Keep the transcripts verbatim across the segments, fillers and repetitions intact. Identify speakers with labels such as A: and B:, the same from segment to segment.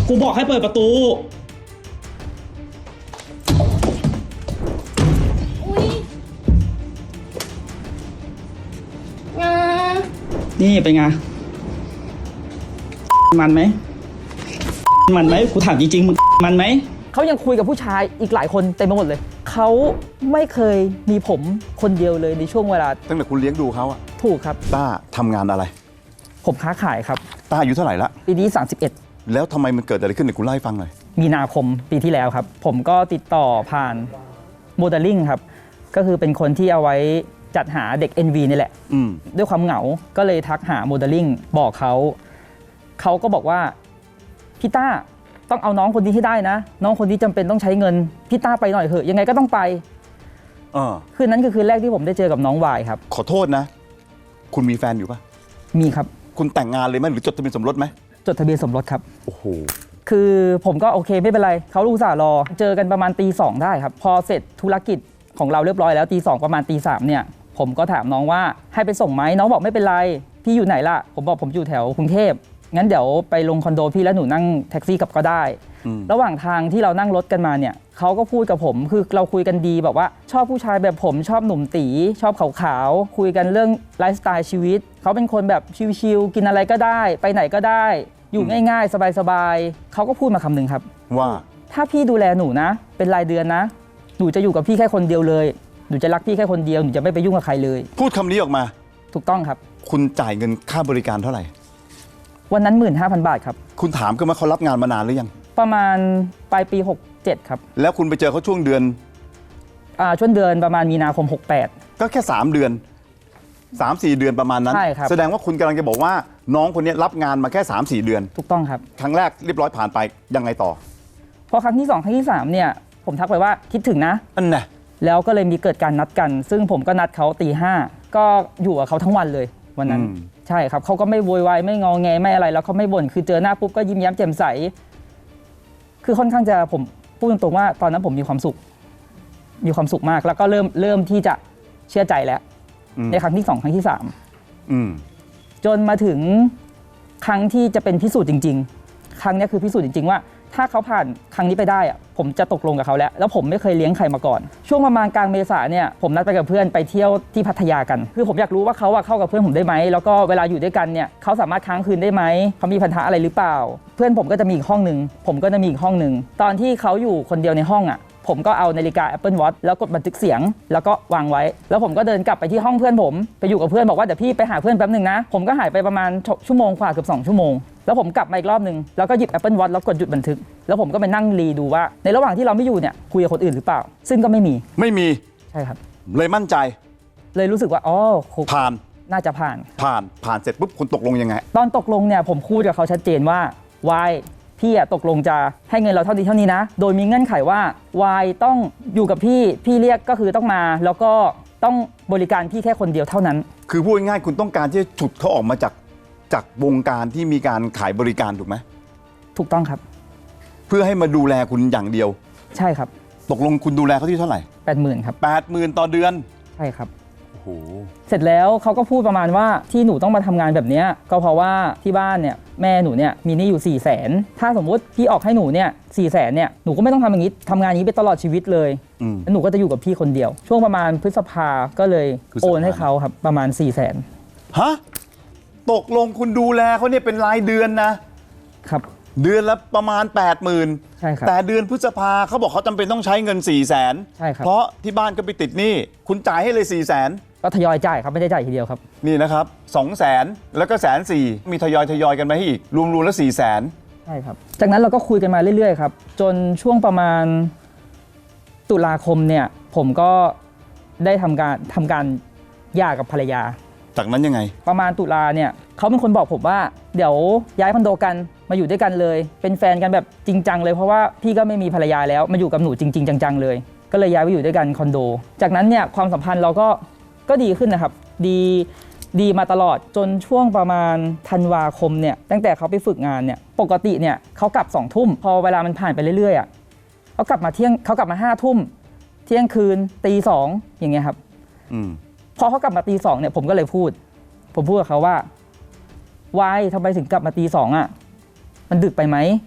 A: กูบอกให้เปิดประตู
B: อุ้ยงา
A: นี่เป็นไงมันไหมมันไหมกูถามจริงๆมึงมันไหม
C: เขายังคุยกับผู้ชายอีกหลายคนเต็มไปหมดเลยเขาไม่เคยมีผมคนเดียวเลยในช่วงเวลา
D: ตั้งแต่คุณเลี้ยงดูเขาอะ
C: ถูกครับ
D: ต้าทำงานอะไร
C: ผมค้าขายครับ
D: ต้าอายุเท่าไหร่ละ
C: ปีนี้สามสิบเอ็ด
D: แล้วทำไมมันเกิดอะไรขึ้นเนี่ยคุณเล่าให้ฟังหน่อย
C: มีนาคมปีที่แล้วครับผมก็ติดต่อผ่านโมเดลลิ่งครับก็คือเป็นคนที่เอาไว้จัดหาเด็ก เอ็น วี นี่แหละด้วยความเหงาก็เลยทักหาโมเดลลิ่งบอกเขาเขาก็บอกว่าพี่ต้าต้องเอาน้องคนนี้ให้ได้นะน้องคนนี้จำเป็นต้องใช้เงินพี่ต้าไปหน่อยเถอะยังไงก็ต้องไปคืนนั้นคือคืนแรกที่ผมได้เจอกับน้องวายครับ
D: ขอโทษนะคุณมีแฟนอยู่ปะ
C: มีครับ
D: คุณแต่งงานเลยไหมหรือจดทะเบียนสมรสไหม
C: จดทะเบียนสมรสครับ
D: โอ้โห
C: คือผมก็โอเคไม่เป็นไรเขาลูกสาวรอเจอกันประมาณตีสองได้ครับพอเสร็จธุรกิจของเราเรียบร้อยแล้วตีสองประมาณตีสามเนี่ยผมก็ถามน้องว่าให้ไปส่งไหมน้องบอกไม่เป็นไรพี่อยู่ไหนล่ะผมบอกผมอยู่แถวกรุงเทพงั้นเดี๋ยวไปลงคอนโดพี่แล้วหนูนั่งแท็กซี่กลับก็ได้ระหว่างทางที่เรานั่งรถกันมาเนี่ยเขาก็พูดกับผมคือเราคุยกันดีแบบว่าชอบผู้ชายแบบผมชอบหนุ่มตีชอบขาวๆคุยกันเรื่องไลฟ์สไตล์ชีวิตเขาเป็นคนแบบชิลๆกินอะไรก็ได้ไปไหนก็ได้อยู่ง่ายๆสบายๆเขาก็พูดมาคำหนึ่งครับ
D: ว่า
C: ถ้าพี่ดูแลหนูนะเป็นรายเดือนนะหนูจะอยู่กับพี่แค่คนเดียวเลยหนูจะรักพี่แค่คนเดียวหนูจะไม่ไปยุ่งกับใครเลย
D: พูดคำนี้ออกมา
C: ถูกต้องครับ
D: คุณจ่ายเงินค่าบริการเท่าไหร่
C: วันนั้น หนึ่งหมื่นห้าพัน บาทครับ
D: คุณถามกันว่าเขารับงานมานานหรือยัง
C: ประมาณปลายปีหกเจ็ดครับ
D: แล้วคุณไปเจอเขาช่วงเดือน
C: อ่าช่วงเดือนประมาณมีนาคมหกแปด
D: ก็แค่สามเดือน สามสี่ เดือนประมาณนั้น
C: ใช่ครับ
D: แสดงว่าคุณกำลังจะบอกว่าน้องคนนี้รับงานมาแค่ สามสี่ เดือน
C: ถูกต้องครับ
D: ครั้งแรกเรียบร้อยผ่านไปยังไงต่อ
C: พอครั้งที่สองครั้งที่สามเนี่ยผมทักไปว่าคิดถึงนะ
D: อันน่ะ
C: แล้วก็เลยมีเกิดการนัดกันซึ่งผมก็นัดเขาตีห้าก็อยู่กับเขาทั้งวันเลยวันนั้นใช่ครับเขาก็ไม่โวยวายไม่งอแงไม่อะไรแล้วเขาไม่บ่นคือเจอหน้าปุ๊บก็ยิ้มแย้มแจ่มใสคือค่อนข้างจะผมพูดตรงๆว่าตอนนั้นผมมีความสุขมีความสุขมากแล้วก็เริ่มเริ่มที่จะเชื่อใจแล้วในครั้งที่สองครั้งที่สามจนมาถึงครั้งที่จะเป็นพิสูจน์จริงๆครั้งนี้คือพิสูจน์จริงๆว่าถ้าเขาผ่านครั้งนี้ไปได้อะผมจะตกลงกับเขาแล้วแล้วผมไม่เคยเลี้ยงใครมาก่อนช่วงประมาณกลางเมษาเนี่ยผมนัดไปกับเพื่อนไปเที่ยวที่พัทยากันคือผมอยากรู้ว่าเขาเข้ากับเพื่อนผมได้ไหมแล้วก็เวลาอยู่ด้วยกันเนี่ยเขาสามารถค้างคืนได้ไหมเขามีปัญหาอะไรหรือเปล่าเพื่อนผมก็จะมีอีกห้องนึงผมก็จะมีอีกห้องนึงตอนที่เขาอยู่คนเดียวในห้องอ่ะผมก็เอานาฬิกา Apple Watch แล้วกดบันทึกเสียงแล้วก็วางไว้แล้วผมก็เดินกลับไปที่ห้องเพื่อนผมไปอยู่กับเพื่อนบอกว่าเดี๋ยวพี่ไปหาเพื่อนแป๊บนึงนะผมก็หายไปประมาณชั่วโมงกว่าเกือบสองชั่วโมงแล้วผมกลับมาอีกรอบนึงแล้วก็หยิบ Apple Watch แล้วกดหยุดบันทึกแล้วผมก็ไปนั่งรีดูว่าในระหว่างที่เราไม่อยู่เนี่ยคุยกับคนอื่นหรือเปล่าซึ่งก็ไม่มี
D: ไม่มี
C: ใช่ครับ
D: เลยมั่นใจ
C: เลยรู้สึกว่าอ๋อ
D: ผ่าน
C: น่าจะผ่าน
D: ผ่านผ่านเสร็จปุ๊บคุณตกลงยังไง
C: ตอนตกลงเนี่ยผมพูดกับเขาชัดเจนว่าวายพี่อะตกลงจะให้เงินเราเท่านี้เท่านี้นะโดยมีเงื่อนไขว่าวายต้องอยู่กับพี่พี่เรียกก็คือต้องมาแล้วก็ต้องบริการพี่แค่คนเดียวเท่านั้น
D: คือพูดง่ายๆคุณต้องการที่จะฉุดเขาออกมาจากจากวงการที่มีการขายบริการถูกไหม
C: ถูกต้องครับ
D: เพื่อให้มาดูแลคุณอย่างเดียว
C: ใช่ครับ
D: ตกลงคุณดูแลเขาที่เท่าไหร่
C: แปดหมื่นครับ
D: แปดหมื่นต่อเดือน
C: ใช่ครับ
D: โอ้โห
C: เสร็จแล้วเขาก็พูดประมาณว่าที่หนูต้องมาทำงานแบบนี้ก็เพราะว่าที่บ้านเนี่ยแม่หนูเนี่ยมีหนี้อยู่สี่แสนถ้าสมมุติพี่ออกให้หนูเนี่ยสี่แสนเนี่ยหนูก็ไม่ต้องทำอย่างนี้ทำงานนี้ไปตลอดชีวิตเลยแล้วหนูก็จะอยู่กับพี่คนเดียวช่วงประมาณพฤษภาก็เลยโอนให้เขาครับประมาณสี่แสน
D: ฮะตกลงคุณดูแลเขาเนี่ยเป็นรายเดือนนะครับเดือนละประมาณ แปดหมื่น
C: ใช่ครับ
D: แต่เดือนพฤษภาเขาบอกเขาจำเป็นต้องใช้เงิน สี่แสน
C: ใช่ครับ
D: เพราะที่บ้านก็ไปติดหนี้คุณจ่ายให้เลย สี่แสน
C: ก็ทยอยจ่ายครับไม่ได้จ่ายทีเดียวครับ
D: นี่นะครับ สองแสน แล้วก็แสนสี่มีทยอยทยอยกันมาให้อีกรวมๆแล้ว สี่แสน
C: ใช่ครับจากนั้นเราก็คุยกันมาเรื่อยๆครับจนช่วงประมาณตุลาคมเนี่ยผมก็ได้ทำการทำการหย่ากับภรรยา
D: จากนั้นยังไง
C: ประมาณตุลาเนี่ยเขาเป็นคนบอกผมว่าเดี๋ยวย้ายคอนโดกันมาอยู่ด้วยกันเลยเป็นแฟนกันแบบจริงจังเลยเพราะว่าพี่ก็ไม่มีภรรยาแล้วมาอยู่กับหนูจริงๆจังๆเลยก็เลยย้ายไปอยู่ด้วยกันคอนโดจากนั้นเนี่ยความสัมพันธ์เราก็ก็ดีขึ้นนะครับดีดีมาตลอดจนช่วงประมาณธันวาคมเนี่ยตั้งแต่เขาไปฝึกงานเนี่ยปกติเนี่ยเขากลับสองทุ่มพอเวลามันผ่านไปเรื่อยๆอ่ะเขากลับมาเที่ยงเขากลับมาห้าทุ่มเที่ยงคืนตีสองอย่างเงี้ยครับพอเขากลับมาตีสองเนี่ยผมก็เลยพูดผมพูดกับเขาว่าวายทำไมถึงกลับมาตีสองอ่ะมันดึกไปไหม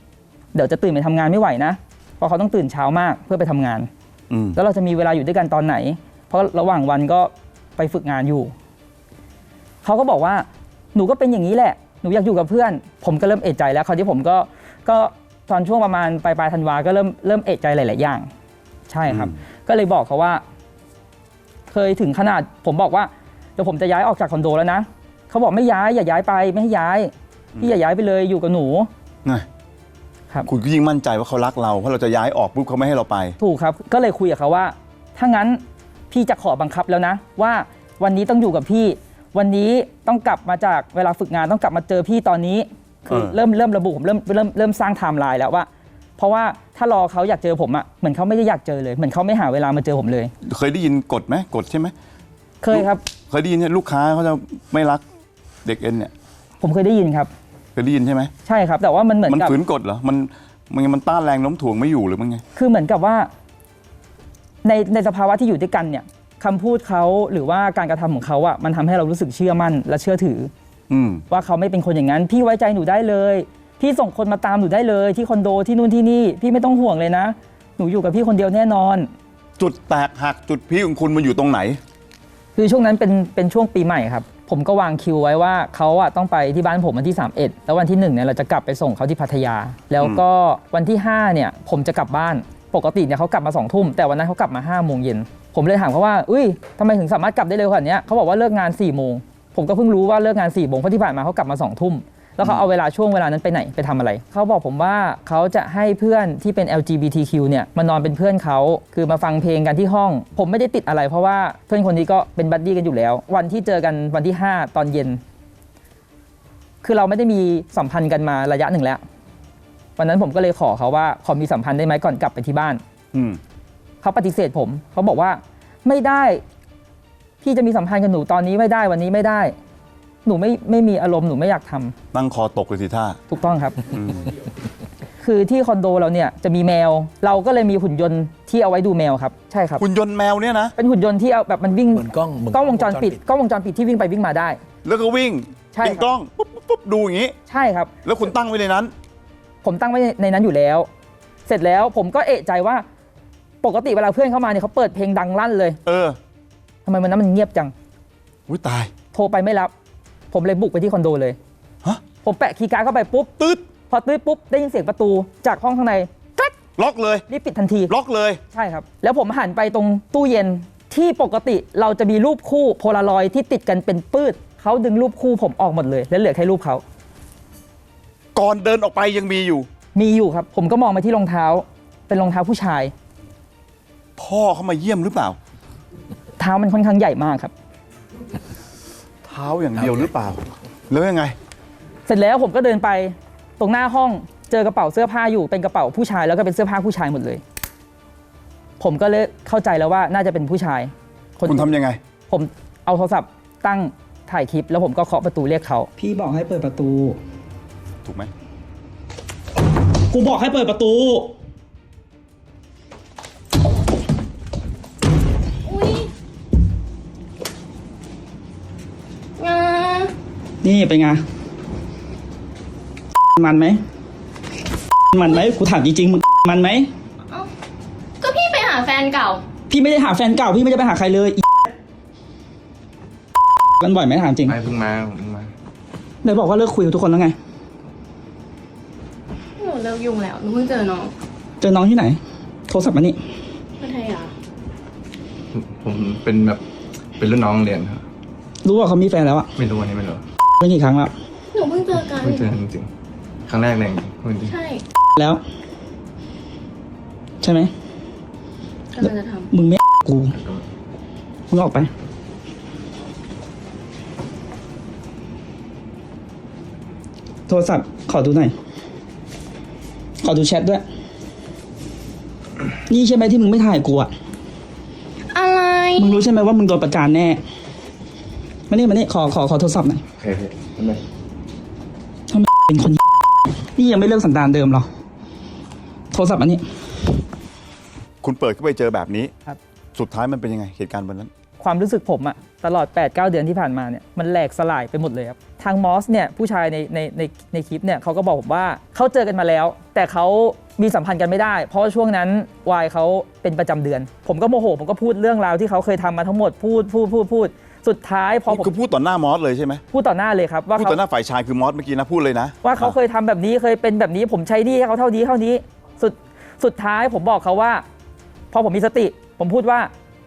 C: เดี๋ยวจะตื่นไปทำงานไม่ไหวนะเพราะเขาต้องตื่นเช้ามากเพื่อไปทำงาน
D: อืม
C: แล้วเราจะมีเวลาอยู่ด้วยกันตอนไหน เพราะระหว่างวันก็ไปฝึกงานอยู่เขาก็บอกว่าหนูก็เป็นอย่างนี้แหละหนูอยากอยู่กับเพื่อน ผมก็เริ่มเอะใจแล้วคราวที่ผมก็ก็ตอนช่วงประมาณปลายปลายธันวาก็เริ่มเริ่มเอะใจหลายๆอย่างใช่ครับ ก็เลยบอกเขาว่า เคยถึงขนาดผมบอกว่าเดี๋ยวผมจะย้ายออกจากคอนโดแล้วนะเขาบอกไม่ย้ายอย่าย้ายไปไม่ให้ย้ายพี่อย่าย้ายไปเลยอยู่กับหนู
D: นะครับ คุณก็ยิ่งมั่นใจว่าเขารักเราเพราะเราจะย้ายออกปุ๊บเขาไม่ให้เราไป
C: ถูกครับก็เลยคุยกับเขาว่า ถ้างั้นพี่จะขอบังคับแล้วนะ ว่าวันนี้ต้องอยู่กับพี่ วันนี้ต้องกลับมาจากเวลาฝึกงานต้องกลับมาเจอพี่ตอนนี้ คือ
D: เออ
C: เริ่มเริ่มระบุผมเริ่มเริ่มเริ่มสร้างไทม์ไลน์แล้วว่า เพราะว่าถ้ารอเขาอยากเจอผมอะเหมือนเขาไม่ได้อยากเจอเลยเหมือนเขาไม่หาเวลามาเจอผมเลย
D: เคยได้ยินกฎไหมกฎใช่ไหม
C: เคยครับ
D: เคยได้ยินเนี่ยลูกค้าเขาจะไม่รักเด็กเอ็นเนี่ย
C: ผมเคยได้ยินครับ
D: เคยได้ยินใช่ไหม
C: ใช่ครับ แต่ว่ามันเหมือน
D: มัน
C: กับ
D: ฝืนกฎเหรอมันมันมันต้านแรงโน้มถ่วงไม่อยู่หรือมันไง
C: คือเหมือนกับว่าในในสภาวะที่อยู่ด้วยกันเนี่ยคำพูดเขาหรือว่าการกระทำของเขาอะมันทำให้เรารู้สึกเชื่อมั่นและเชื่อถือ
D: อืม
C: ว่าเขาไม่เป็นคนอย่างนั้น พี่ไว้ใจหนูได้เลย พี่ส่งคนมาตามหนูได้เลย ที่คอนโดที่นู่นที่นี่ พี่ไม่ต้องห่วงเลยนะ หนูอยู่กับพี่คนเดียวแน่นอน
D: จุดแตกหักจุดพีคของคุณมันอยู่ตรงไหน
C: คือช่วงนั้นเป็นเป็นช่วงปีใหม่ครับ ผมก็วางคิวไว้ว่าเขาอะต้องไปที่บ้านผมวันที่สามสิบเอ็ดแล้ววันที่หนึ่งเนี่ยเราจะกลับไปส่งเขาที่พัทยา แล้วก็วันที่ห้าเนี่ยผมจะกลับบ้านปกติเนี่ยเขากลับมาสองทุ่มแต่วันนั้นเขากลับมาห้าโมงเย็นผมเลยถามเขาว่าอุ้ยทำไมถึงสามารถกลับได้เร็วขนาดนี้เขาบอกว่าเลิกงานสี่โมงผมก็เพิ่งรู้ว่าเลิกงานสี่โมงเพราะที่ผ่านมาเขากลับมาสองทุ่มแล้วเขาเอาเวลาช่วงเวลานั้นไปไหนไปทำอะไรเขาบอกผมว่าเขาจะให้เพื่อนที่เป็น แอล จี บี ที คิว เนี่ยมานอนเป็นเพื่อนเขาคือมาฟังเพลงกันที่ห้อง ผมไม่ได้ติดอะไรเพราะว่าเพื่อนคนนี้ก็เป็นบัดดี้กันอยู่แล้ว วันที่เจอกันวันที่ห้าตอนเย็น คือเราไม่ได้มีสัมพันธ์กันมาระยะหนึ่งแล้ววันนั้นผมก็เลยขอเขาว่าขอมีสัมพันธ์ได้ไหมก่อนกลับไปที่บ้าน
D: อืม
C: เขาปฏิเสธผมเขาบอกว่าไม่ได้พี่จะมีสัมพันธ์กับหนูตอนนี้ไม่ได้วันนี้ไม่ได้ หนูไม่ไม่มีอารมณ์หนูไม่อยากทำ
D: ตั้งคอตกเลยสิท่า
C: ถูกต้องครับ
D: อืม
C: คือที่คอนโดเราเนี่ยจะมีแมว เราก็เลยมีหุ่นยนต์ที่เอาไว้ดูแมวครับใช่ครับ
D: คุณยนต์แมวเนี่ยนะ
C: เป็นหุ่นยนต์ที่เอาแบบมันวิ่ง
E: เหมือนกล้องเหมือน
C: กล้องวงจรปิดกล้องวงจรปิดที่วิ่งไปวิ่งมาได้
D: แล้วก็วิ่ง
C: ใช่
D: เป็นกล้องปุ๊บปุ๊บปุ๊บดูอย่างนี้
C: ใช่ครับ
D: แล้วคุณตั้งไว้ในนั้น
C: ผมตั้งไว้ในนั้นอยู่แล้ว เสร็จแล้วผมก็เอะใจว่าปกติเวลาเพื่อนเข้ามาเนี่ยเขาเปิดเพลงดังลั่นเลย
D: เออ
C: ทำไมวันนั้นมันเงียบจัง
D: อุ้ยตาย
C: โทรไปไม่รับ ผมเลยบุกไปที่คอนโดเลย
D: ฮะ
C: ผมแปะคีย์การ์ดเข้าไปปุ๊บ
D: ตืด
C: พอตื้อปุ๊บได้ยินเสียงประตูจากห้องข้างในกรั๊ก
D: ล็อกเลย
C: รีบปิดทันที
D: ล็อกเลย
C: ใช่ครับ แล้วผมหันไปตรงตู้เย็นที่ปกติเราจะมีรูปคู่โพลารอยด์ที่ติดกันเป็นปื้ดเขาดึงรูปคู่ผมออกหมดเลย แล้วเหลือแค่รูปเขา
D: ก่อนเดินออกไปยังมีอยู่
C: มีอยู่ครับ ผมก็มองไปที่รองเท้า เป็นรองเท้าผู้ชาย
D: พ่อเขามาเยี่ยมหรือเปล่า
C: เท้ามันค่อนข้างใหญ่มากครับ
D: เท้าอย่างเดียวหรือเปล่า แล้วยังไง
C: เสร็จแล้วผมก็เดินไปตรงหน้าห้องเจอกระเป๋าเสื้อผ้าอยู่เป็นกระเป๋าผู้ชายแล้วก็เป็นเสื้อผ้าผู้ชายหมดเลย ผมก็เลยเข้าใจแล้วว่าน่าจะเป็นผู้ชาย
D: คุณทำยังไง
C: ผมเอาโทรศัพท์ตั้งถ่ายคลิป แล้วผมก็เคาะประตูเรียกเขา
A: พี่บอกให้เปิดประตู
D: ถูกไหม
A: กูบอกให้เปิดประตู
B: อุ้ยงา
A: นี่เป็นไง มันไหม มันไหมกูถามจริงๆมึงมันไหม
B: เอ้าก็พี่ไปหาแฟนเก่า
A: พี่ไม่ได้หาแฟนเก่าพี่ไม่ได้ไปหาใครเลยอีกันบ่อยไหมถามจริง
E: ไม่เพิ่งมาเพิ่งมา
A: ไหนบอกว่าเลิกคุยกับทุกคนแล้วไง
B: หนูเลิกยุ่งแล้ว หนูเพิ่งเจอน้อง
A: เจอน้องที่ไหน โทรศัพท์มานี่
B: พัทยา
E: ผมเป็นแบบเป็นรุ่นน้องเรียนครับ
A: รู้ว่าเขามีแฟนแล้วอะ
E: ไม่รู้อันนี้ไม่รู้
A: ไม่กี่ครั้งแล้ว
B: หนูเพิ่งเจอกัน
E: เพิ่งเจอจริงๆครั้งแรกเลยพูดจริง
B: ใช่
A: แล้ว ใช่ไหม
B: กำลังจะท
A: มึงไม่กู มึงออกไป โทรศัพท์ขอดูหน่อย ขอดูแชทด้วย นี่ใช่ไหมที่มึงไม่ถ่ายกูอะ
B: ำอะไร
A: มึงรู้ใช่ไหมว่ามึงโดนประจานแน่ มานี่มานี่ขอขอขอโทรศัพท์หน่อย
E: โอเคพี่ทำไม
A: ทำไมเป็นคน นี่ยังไม่เลิกสันดานเดิมหรอ โทรศัพท์อันนี้
D: คุณเปิดเข้าไปเจอแบบนี้
C: ครับ
D: สุดท้ายมันเป็นยังไงเหตุการณ์วันนั้น
C: ความรู้สึกผมอะตลอด แปดเก้า เดือนที่ผ่านมาเนี่ยมันแหลกสลายไปหมดเลยครับทางมอสเนี่ยผู้ชายในในในในคลิปเนี่ยเขาก็บอกผมว่าเขาเจอกันมาแล้ว แต่เขามีสัมพันธ์กันไม่ได้เพราะช่วงนั้นวายเขาเป็นประจำเดือน ผมก็โมโหผมก็พูดเรื่องราวที่เขาเคยทำมาทั้งหมดพูดพูดพูดพูดสุดท้ายพอผม
D: คือพูดต่อหน้ามอสเลยใช่ไหม
C: พูดต่อหน้าเลยครับว่า
D: พูด
C: เขา
D: ต่อหน้าฝ่ายชายคือมอสเมื่อกี้นะพูดเลยนะ
C: ว่าเขาเคยทำแบบนี้เคยเป็นแบบนี้ผมใช้หนี้ให้เขาเท่านี้เท่านี้สุดสุดท้ายผมบอกเขาว่าพอผมมีสติ ผมพูดว่า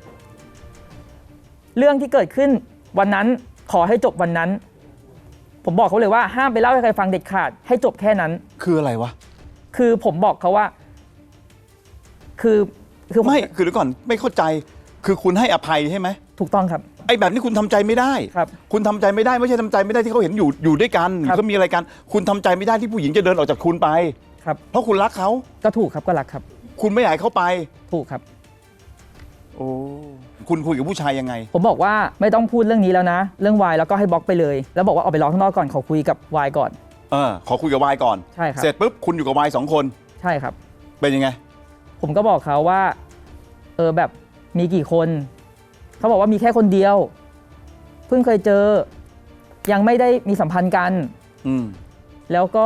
C: เรื่องที่เกิดขึ้นวันนั้นขอให้จบวันนั้น ผมบอกเขาเลยว่าห้ามไปเล่าให้ใครฟังเด็ดขาดให้จบแค่นั้น
D: คืออะไรวะ
C: คือผมบอกเขาว่า คือคือผ
D: ไม่คือเดี๋ยวก่อนไม่เข้าใจคือคุณให้อภัยใช่ไหม
C: ถูกต้องครับ
D: ไอ้แบบนี้คุณทำใจไม่ได้
C: ครับ
D: คุณทำใจไม่ได้ไม่ใช่ทำใจไม่ได้ที่เขาเห็นอยู่อยู่ด้วยกันหรื
C: ครั
D: อบ เขามีอะไรกันคุณทำใจไม่ได้ที่ผู้หญิงจะเดินออกจากคุณไป
C: ครับ
D: เพราะคุณรักเขา
C: ก็ถูกครับก็รักครับ
D: คุณไม่อยากให้เขาไป
C: ถูกครับ
D: โอ้คุณคุยกับผู้ชายยังไง
C: ผมบอกว่าไม่ต้องพูดเรื่องนี้แล้วนะ เรื่องวายแล้วก็ให้บล็อกไปเลย แล้วบอกว่าออกไปรอข้างนอกก่อนขอคุยกับวายก่อน
D: เออขอคุยกับวายก่อน
C: ใช่ครับ
D: เสร็จปุ๊บคุณอยู่กับวายสองคน
C: ใช่ครับ
D: เป็นยังไง
C: ผมก็บอกเขาว่า เออแบบมีกี่คน เขาบอกว่ามีแค่คนเดียว เพิ่งเคยเจอ ยังไม่ได้มีสัมพันธ์กัน
D: อืม
C: แล้วก็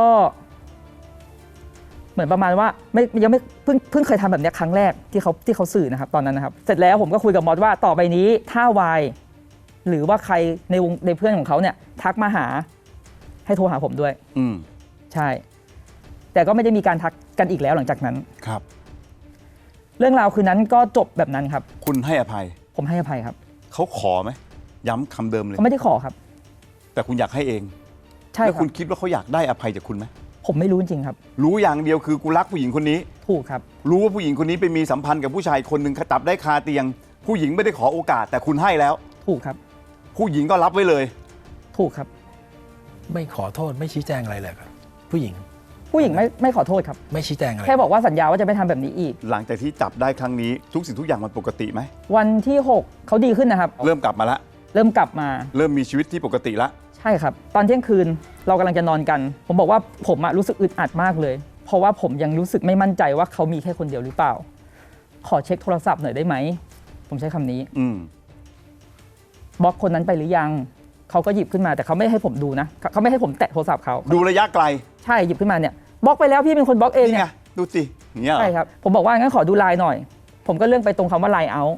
C: เหมือนประมาณว่าไม่ยังไม่เพิ่งเพิ่งเคยทำแบบเนี้ยครั้งแรกที่เขาที่เขาสื่อนะครับตอนนั้นนะครับ เสร็จแล้วผมก็คุยกับมอสว่าต่อไปนี้ถ้าวายหรือว่าใครในวงในเพื่อนของเขาเนี่ย ทักมาหาให้โทรหาผมด้วย
D: อืม
C: ใช่ แต่ก็ไม่ได้มีการทักกันอีกแล้วหลังจากนั้น
D: ครับ
C: เรื่องราวคืนนั้นก็จบแบบนั้นครับ
D: คุณให้อภัย
C: ผมให้อภัยครับ
D: เขาขอไหมย้ำคำเดิมเลย
C: เขาไม่ได้ขอครับ
D: แต่คุณอยากให้เอง
C: ใช่
D: แล้ว
C: ครั
D: คุ
C: บ
D: ณคิดว่าเขาอยากได้อภัยจากคุณไหม
C: ผมไม่รู้จริงๆครับ
D: รู้อย่างเดียวคือกูรักผู้หญิงคนนี้
C: ถูกครับ
D: รู้ว่าผู้หญิงคนนี้ไปมีสัมพันธ์กับผู้ชายคนหนึ่งจับได้คาเตียง ผู้หญิงไม่ได้ขอโอกาส แต่คุณให้แล้ว
C: ถูกครับ
D: ผู้หญิงก็รับไว้เลย
C: ถูกครับ
F: ไม่ขอโทษไม่ชี้แจงอะไรเลยครับผู้หญิง
C: ผู้หญิงไม่ไม่ขอโทษครับ
F: ไม่ชี้แจงอะไร
C: แค่บอกว่าสัญญาว่าจะไม่ทำแบบนี้อีก
D: หลังจากที่จับได้ครั้งนี้ทุกสิ่งทุกอย่างมันปกติไหม
C: วันที่หกเขาดีขึ้นนะครับ
D: เริ่มกลับมาละ
C: เริ่มกลับมา
D: เริ่มมีชีวิตที่ปกติละ
C: ใช่ครับ ตอนเที่ยงคืนเรากำลังจะนอนกัน ผมบอกว่าผมอะรู้สึกอึดอัดมากเลย เพราะว่าผมยังรู้สึกไม่มั่นใจว่าเขามีแค่คนเดียวหรือเปล่า ขอเช็คโทรศัพท์หน่อยได้ไหม ผมใช้คำนี้
D: อืม
C: บล็อกคนนั้นไปหรือยัง เขาก็หยิบขึ้นมาแต่เขาไม่ให้ผมดูนะ เขาไม่ให้ผมแตะโทรศัพท์เขา
D: ดูระยะไกล
C: ใช่หยิบขึ้นมาเนี่ยบล็อกไปแล้วพี่เป็นคนบล็อกเอง
D: นี่
C: เนี่
D: ไง
C: ย
D: ดูสิอย่างเงี้ยเหรอ
C: ใช่ครับ ผมบอกว่างั้นขอดูไลน์หน่อย ผมก็เลื่อนไปตรงคำว่าไลน์เอา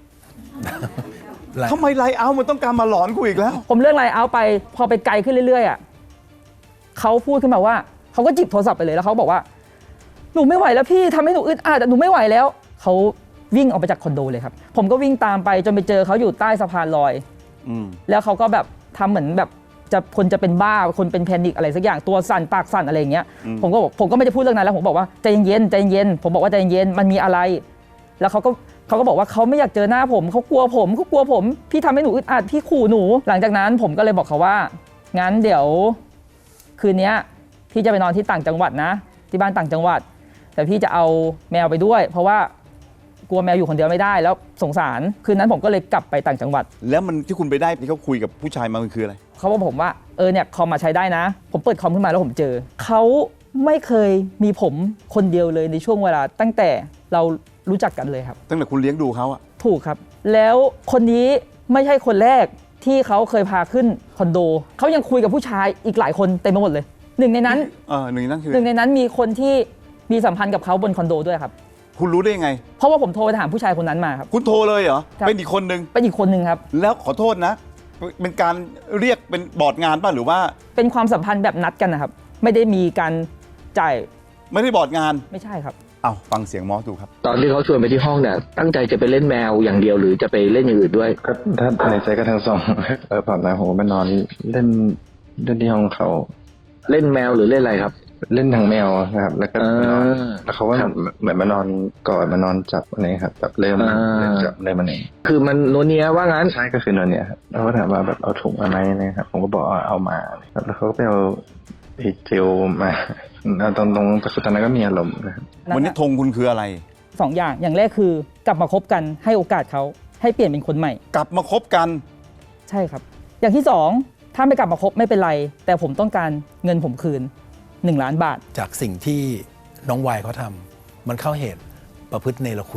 D: ทำไมไลน์เอาท์มันต้องการมาหลอนกูอีกแล้ว
C: ผมเลื่อนไลน์เอาไปพอไปไกลขึ้นเรื่อยๆอ่ะเขาพูดขึ้นมาว่าเขาก็จิบโทรศัพท์ไปเลยแล้วเขาบอกว่าหนูไม่ไหวแล้วพี่ทำให้หนูอึดอัดอะหนูไม่ไหวแล้วเขาวิ่งออกไปจากคอนโดเลยครับผมก็วิ่งตามไปจนไปเจอเขาอยู่ใต้สะพานลอย
D: อืม
C: แล้วเขาก็แบบทำเหมือนแบบจะคนจะเป็นบ้าคนเป็นแพนิคอะไรสักอย่างตัวสั่นปากสั่นอะไรอย่างเงี้ย
D: อืม
C: ผมก็บอกผมก็ไม่ได้พูดเรื่องนั้นแล้วผมบอกว่าใจเย็นๆใจเย็นผมบอกว่าใจเย็นมันมีอะไร แล้วเขาก็เขาก็บอกว่าเขาไม่อยากเจอหน้าผมเขากลัวผมเขากลัวผมพี่ทำให้หนูอึดอัดพี่ขู่หนู หลังจากนั้นผมก็เลยบอกเขาว่างั้นเดี๋ยวคืนนี้พี่จะไปนอนที่ต่างจังหวัดนะ ที่บ้านต่างจังหวัด แต่พี่จะเอาแมวไปด้วย เพราะว่ากลัวแมวอยู่คนเดียวไม่ได้แล้วสงสารคืนนั้นผมก็เลยกลับไปต่างจังหวัด
D: แล้วมันที่คุณไปได้ที่เขาคุยกับผู้ชายมามันคืออะไร
C: เขาบอกผมว่าเออเนี่ยคอมมาใช้ได้นะ ผมเปิดคอมขึ้นมาแล้วผมเจอเขาไม่เคยมีผมคนเดียวเลยในช่วงเวลาตั้งแต่เรารู้จักกันเลยครับ
D: ตั้งแต่คุณเลี้ยงดูเขาอะ
C: ถูกครับ แล้วคนนี้ไม่ใช่คนแรกที่เขาเคยพาขึ้นคอนโดเขายังคุยกับผู้ชายอีกหลายคนเต็มไปหมดเลยหนึ่งในนั้น
D: เออหนึ่งในนั่นคือ
C: หนึ่งในนั้นมีคนที่มีสัมพันธ์กับเขาบนคอนโดด้วยครับ
D: คุณรู้ได้ยังไง
C: เพราะว่าผมโทรไปถามผู้ชายคนนั้นมาครับ
D: คุณโทรเลยเหรอ
C: ครับ
D: เป็นอีกคนนึง
C: เป็นอีกคนหนึ่งครับ
D: แล้วขอโทษนะ เป็นการเรียกเป็นบอร์ดงานป่ะหรือว่า
C: เป็นความสัมพันธ์แบบนัดกันนะครับไม่ได้มีการจ่าย
D: ไม่ได้บอร์ดงาน
C: ไม่ใช่ครับ
D: เอาฟังเสียงมอสดูครับ
G: ตอนที่เขาชวนไปที่ห้องเนี่ยตั้งใจจะไปเล่นแมวอย่างเดียวหรือจะไปเล่นอย่างอื่นด้วย
H: ก็ถ้าในใจก็ทั้งสอง เออผ่านมาผมก็ไปนอนเล่นเล่นที่ห้องเขา
G: เล่นแมวหรือเล่นอะไรครับ
H: เล่นทางแมวนะครับ แล้วก็ไปนอน
G: อ่า
H: แล้วเขาก็
G: ครับ
H: เหมือนมานอนกอดมานอนจับอะไรครับแบบเริ่ม
G: อ่า
H: เริ่มจับเริ่มมันเอง
G: คือมันโนเนียว่างั้น
H: ใช่ก็คือนอนเนี่ยครับแล้วก็ถามว่าแบบเอาถุงมาไหมนะครับผมก็บอกว่าเอามาครับแล้วเขาก็ไปเอาไอ้เจลมาเอาตรงตรงๆแต่คือตอนนั้นก็มีอารมณ์นะครับ
D: วันนี้ธงคุณคืออะไร
C: สองอย่างอย่างแรกคือกลับมาคบกันให้โอกาสเขาให้เปลี่ยนเป็นคนใหม่
D: กลับมาคบกัน
C: ใช่ครับ อย่างที่สองถ้าไม่กลับมาคบไม่เป็นไร แต่ผมต้องการเงินผมคืนหนึ่งล้านบาท
F: จากสิ่งที่น้องวายเขาทำมันเข้าเหตุประพฤติเนรคุณ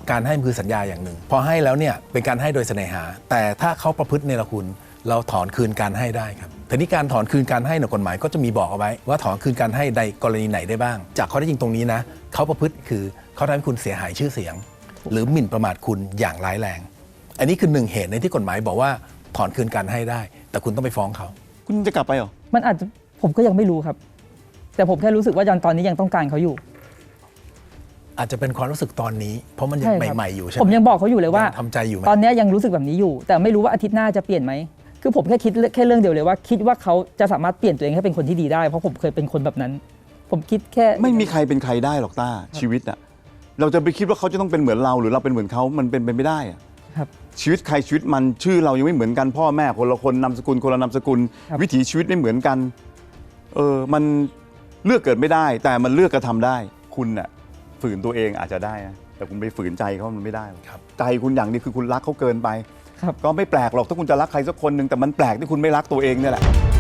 F: การให้มันคือสัญญาอย่างหนึ่ง พอให้แล้วเนี่ยเป็นการให้โดยเสน่หา แต่ถ้าเขาประพฤติเนรคุณเราถอนคืนการให้ได้ครับทีนี้การถอนคืนการให้ในกฎหมายก็จะมีบอกเอาไว้ว่าถอนคืนการให้ในกรณีไหนได้บ้าง จากข้อเท็จจริงตรงนี้นะเขาประพฤติคือเขาทำให้คุณเสียหายชื่อเสียง หรือหมิ่นประมาทคุณอย่างร้ายแรง อันนี้คือหนึ่งเหตุในที่กฎหมายบอกว่าถอนคืนการให้ได้ แต่คุณต้องไปฟ้องเขา
D: คุณจะกลับไปเหรอ
C: มันอาจจะผมก็ยังไม่รู้ครับ แต่ผมแค่รู้สึกว่าตอนนี้ยังต้องการเขาอยู่
F: อาจจะเป็นความรู้สึกตอนนี้ เพราะมันยัง
C: ใช่ครับ
F: ใหม่ๆอยู่ใช่ไหม
C: ผมยังบอกเขาอยู่เลยว่า
F: งทำใจอยู่ไหม
C: ตอนนี้ยังรู้สึกแบบนี้อยู่ แต่ไม่รู้ว่าอาทิตย์หน้าจะเปลี่ยนไหมคือผมแค่คิดแค่เรื่องเดียวเลยว่าคิดว่าเขาจะสามารถเปลี่ยนตัวเองให้เป็นคนที่ดีได้เพราะผมเคยเป็นคนแบบนั้น ผมคิดแค่
D: ไม่มีใครเป็นใครได้หรอกต้าชีวิตอะเราจะไปคิดว่าเขาจะต้องเป็นเหมือนเราหรือเราเป็นเหมือนเขามันเป็นไปไม่ได้อะ
C: ครับ
D: ชีวิตใครชีวิตมันชื่อเรายังไม่เหมือนกันพ่อแม่คนละคนนามสกุลคนละนามสกุล
C: ครับ
D: วิถีชีวิตไม่เหมือนกันเออมันเลือกเกิดไม่ได้ แต่มันเลือกกระทำได้ คุณน่ะฝืนตัวเองอาจจะได้นะแต่คุณไปฝืนใจเขามันไม่ได้หรอก
F: ครับ
D: ใจคุณอย่างนี้คือคุณรักเขาเกินไป
C: ครับ
D: ก็ไม่แปลกหรอกถ้าคุณจะรักใครสักคนหนึ่งแต่มันแปลกที่คุณไม่รักตัวเองเนี่ยแหละ